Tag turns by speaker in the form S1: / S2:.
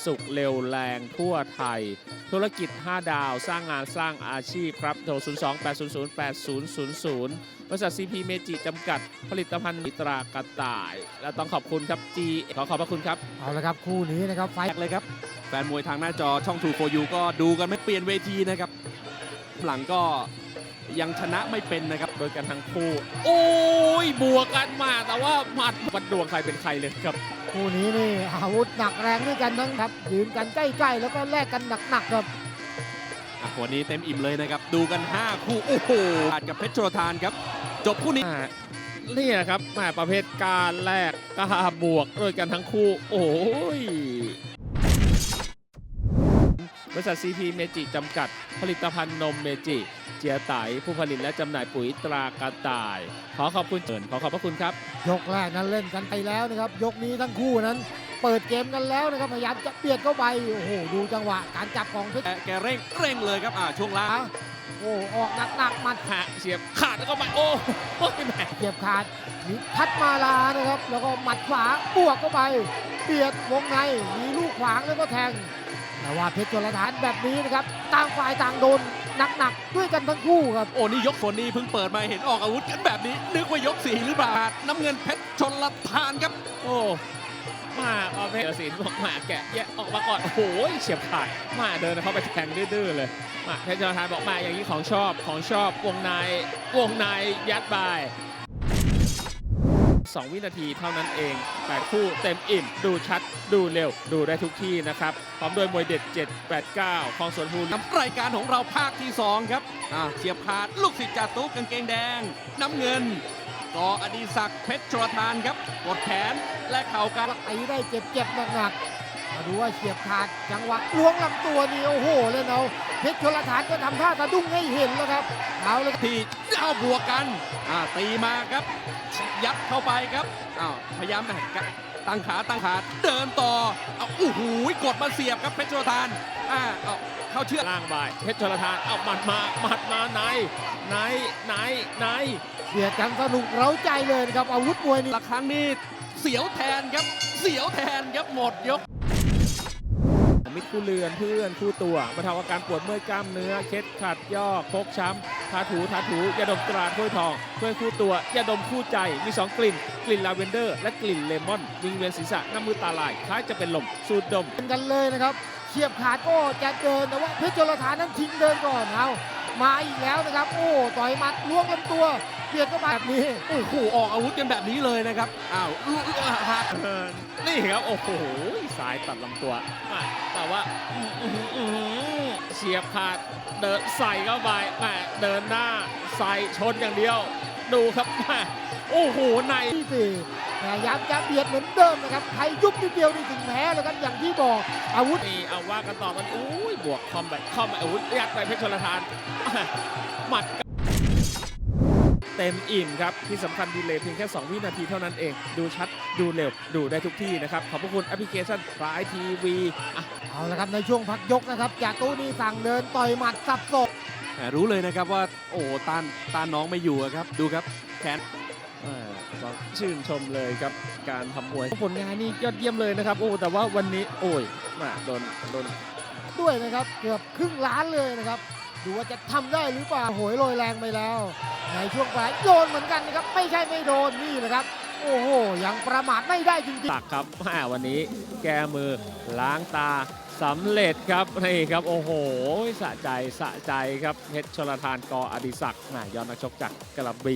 S1: สุขเร็วแรงทั่วไทย ธุรกิจ 5 ดาวสร้างงานสร้างอาชีพครับโทร 02-800-8000 บริษัท CP เมจิจำกัดผลิตภัณฑ์ตรากระต่าย และต้องขอบคุณครับ ขอขอบพระคุณครับ
S2: เอาละครับคู่นี้นะครับไฟ
S3: แรกเลยครับแฟนมวยทางหน้าจอช่อง 2 for you ก็ดูกันไม่เปลี่ยนเวทีนะครับหลังก็ยังชนะไม่เป็นนะครับ
S1: โดยกันทั้งคู่ โอ้ยบวกกันมาแต่ว่าหมัดวัดดวงใครเป็นใครเลยครับ
S2: คู่นี้นี่อาวุธหนักแรงด้วยกันทั้งครับยืนกันใกล้ๆแล้วก็แลกกันหนักๆครับ
S3: วันนี้เต็มอิ่มเลยนะครับ ดูกัน 5 คู่ โอ้โหขาดกับเพชรโชลทานครับ จบคู่นี้
S1: นี่นะครับแหม่ประเภทการแลกกล้าบวกด้วยกันทั้งคู่ โอ้ยบริษัท CP เมจิจำกัดผลิตภัณฑ์นมเมจิเจียไตผู้ผลิตและจำหน่ายปุ๋ยตรากระต่าย ขอขอบคุณขอขอบพระคุณครับ
S2: ยกแรกนั้นเล่นกันไปแล้วนะครับยกนี้ทั้งคู่นั้นเปิดเกมกันแล้วนะครับพยายามจะเบียดเข้าไปโอ้โหดูจังหวะการจับของเพชร
S3: แกเร่งเลยครับช่วงล่าง
S2: โอ้ออกหนักๆหมัด
S1: หะเสียบขาดแล้วก็มาโอ้ยแหม
S2: เกียบขาดมีพัดมาลานะครับแล้วก็หมัดขวาบวกเข้าไปเบียดวงในมีลูกขวางแล้วก็แทงแต่ว่าเพชรโชลทานแบบนี้นะครับต่างฝ่ายต่างโดนหนักๆด้วยกันทั้งคู่ครับ
S3: โอ้นี่ยกฝนนี้เพิ่งเปิดมาเห็นออกอาวุธกันแบบนี้ นึกว่ายก 4 หรือเปล่า น้ำเงินเพชรชลทานครับ
S1: โอ้มาประเภทศิลป์บอกมาแกะแยะออกมาก่อนโอ้โหเฉียบขาดมาเดินเข้าไปแทงดื้อๆเลยมาเพชรจอทานบอกมาอย่างนี้ของชอบวงในยัดไป2 วินาทีเท่านั้นเอง8คู่เต็มอิ่มดูชัดดูเร็วดูได้ทุกที่นะครับพร้อมด้วยมวยเด็ด 789 ของสวนภูริ
S3: รายการของเราภาคที่ 2 ครับเฉียบขาดลูกศิษย์จ่าตุ๊กกางเกงแดง น้ำเงินกออดีศักดิ์เพชรโชลทานครับกดแขนและเข่ากัน
S2: ไอ้ได้เจ็บหนักๆมาดูว่าเฉียบขาดจังหวะล้วงลำตัวนี่โอ้โหเลยเอาเพชรโชลทานก็ทำท่าสะดุ้งให้เห็นแล้วครับเอาเลย
S3: ที่เอาบวกกันตีมาครับยัดเข้าไปครับพยายามตั้งขาเดินต่อโอ้โหกดมาเสียบครับเพชรโชลทานเข้าเชือก
S1: ล่างบ่ายเพชรชลทานเอาหมัดมาใน
S2: เบียดกันสนุกเร้าใจเลยนะครับอาวุธมวยนี่
S3: ละครั้งนี้เสียวแทนครับหมดยก
S1: มิตรคู่เรือนเพื่อนคู่ตัวบรรเทาอาการปวดเมื่อยกล้ามเนื้อเคล็ดขัดย่อพกช้ำทาถูยาดมตราถ้วยทองถ้วยคู่ตัวยาดมคู่ใจมี2 กลิ่นลาเวนเดอร์และกลิ่นเลมอนวิงเวียนศีรษะน้ำมือตาลายคล้ายจะเป็นลมสูดดม
S2: เป็นกันเลยนะครับเฉียบขาดก็จะเดินแต่ว่าเพชรโชลทานนั้นทิ้งเดินก่อนเอามาอีกแล้วนะครับโอ้ต่อยหมัดล้วงลำตัวเบียดเข้ามาแบบนี้
S3: โอ้โหออกอาวุธกันแบบนี้เลยนะครับหัก
S1: นี่ครับโอ้โหสายตัดลำตัวแต่ว่าเฉียบขาดเดินใส่เข้าไปเดินหน้าใส่ชนอย่างเดียวดูครับโอ้โหใน
S2: ที่สี่พยายามจะเบียดเหมือนเดิมนะครับใครยุบนิดเดียวนี่ถึงแพ้แล้วครับอย่างที่บอกอาวุธ
S1: นี่เอาว่ากันต่อกันอุ้ยบวกคอมแบบอาวุธยัดไปเพชรชลทานหมัดเต็มอิ่มครับที่สำคัญดีเลย์เพียงแค่ 2 วินาทีเท่านั้นเองดูชัดดูเร็วดูได้ทุกที่นะครับขอบพระคุณแอปพลิเคชันฟลายทีวี
S2: เอาละครับในช่วงพักยกนะครับจากตู้นี้สั่งเดินต่อยหมัดสับศอก
S3: รู้เลยนะครับว่าโอ้ต้านน้องไม่อยู่ครับดูครับแขน
S1: ต้องชื่นชมเลยครับการทำมวยผลงานนี่ยอดเยี่ยมเลยนะครับโอ้แต่ว่าวันนี้โอ้ยโดน
S2: ด้วยนะครับเกือบครึ่งล้านเลยนะครับดูว่าจะทำได้หรือเปล่าโหยโรยแรงไปแล้วในช่วงปลายโดนเหมือนกันนะครับไม่ใช่ไม่โดนนี่แหละครับโอ้โหยังประมาทไม่ได้จริงๆ
S1: ตักครับวันนี้แก้มือล้างตาสำเร็จครับนี่ครับโอ้โหสะใจครับเพชรชลทานกออดิศักดิ์ยอดนักชกจากกระบี่